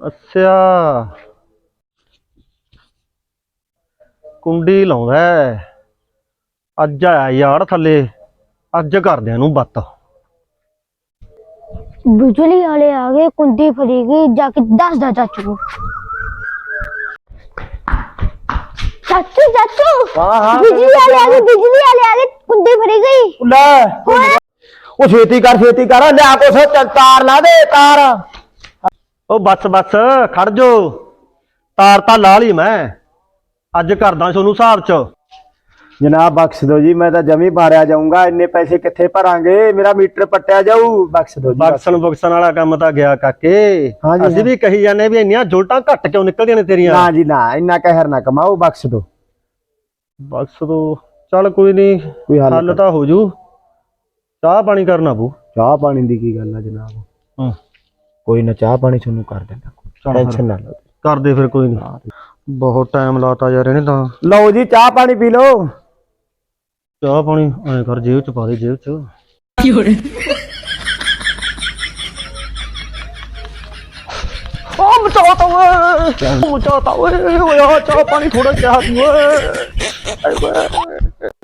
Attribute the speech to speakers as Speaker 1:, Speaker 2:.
Speaker 1: ਅੱਛਾ ਕੁੰਡੀ ਲਾਉਂਦਾ ਅੱਜ ਆਇਆ ਯਾਰ ਥੱਲੇ। ਅੱਜ ਕਰਦੇ ਇਹਨੂੰ ਬੱਤ।
Speaker 2: बिजली वाले आ गए कुंडी फरेगी जाके दस दा चाचू को। चाचू चाचू बिजली वाले आ गए कुंडी फरी गई।
Speaker 3: ਲੈ ਉਹ ਛੇਤੀ ਕਰ ਲਿਆ ਕੁਛ ਤਾਰ ਲਾ ਦੇ ਤਾਰ।
Speaker 1: ਉਹ ਬੱਸ ਖੜ ਜੋ। ਤਾਰ ਤਾਂ ਲਾ ਲਈ ਮੈਂ। ਅੱਜ ਕਰਦਾ ਤੁਹਾਨੂੰ ਹਿਸਾਬ ਚ।
Speaker 3: ਜਨਾਬ ਬਖਸ਼ ਦੋ ਜੀ, ਮੈਂ ਤਾਂ ਜਮੀ ਮਾਰਿਆ ਜਾਊਂਗਾ। ਇੰਨੇ ਪੈਸੇ ਕਿੱਥੇ ਭਰਾਂਗੇ, ਮੇਰਾ ਮੀਟਰ ਪੱਟਿਆ ਜਾਊ। ਬਖਸ਼ ਦੋ ਜੀ।
Speaker 1: ਬਕਸਣ ਵਾਲਾ ਕੰਮ ਤਾਂ ਗਿਆ ਕਾਕੇ। ਅਸੀਂ ਵੀ ਕਹੀ ਜਾਂਦੇ ਵੀ ਇੰਨੀਆਂ ਜੁਲਟਾਂ ਘੱਟ ਕਿਉਂ ਨਿਕਲਦੀਆਂ ਨੇ ਤੇਰੀਆਂ।
Speaker 3: ਨਾ ਜੀ ਨਾ, ਇੰਨਾ ਕਹਿਰ ਨਾ ਕਮਾਓ, ਬਖਸ਼ ਦੋ।
Speaker 1: ਬਖਸ਼ ਦੋ ਚੱਲ ਕੋਈ ਨਹੀਂ,
Speaker 3: ਕੋਈ
Speaker 1: ਹੱਲ ਤਾਂ ਹੋ ਜੂ। ਚਾਹ ਪਾਣੀ ਕਰਨਾ ਪਊ।
Speaker 3: ਚਾਹ ਪਾਣੀ ਦੀ ਕੀ ਗੱਲ ਆ ਜਨਾਬ? ਕੋਈ ਨਾ, ਚਾਹ ਪਾਣੀ ਤੁਹਾਨੂੰ ਕਰ ਦਿੰਦਾ, ਟੈਨਸ਼ਨ ਨਾ ਲਓ।
Speaker 1: ਕਰਦੇ ਫਿਰ ਕੋਈ ਨਹੀਂ। ਬਹੁਤ ਟਾਈਮ ਲਾਤਾ ਯਾਰ ਇਹਨੇ ਤਾਂ।
Speaker 3: ਲਓ ਜੀ ਚਾਹ ਪਾਣੀ ਪੀ ਲਓ।
Speaker 1: ਚਾਹ ਪਾਣੀ ਐ ਕਰ, ਜੇਬ ਚ ਪਾ ਦੇ, ਜੇਬ ਚ। ਬਚਾਤਾ ਓਏ, ਬਚਾਤਾ ਓਏ। ਚਾਹ ਪਾਣੀ ਥੋੜਾ ਚਾਹ ਪੀ ਓਏ।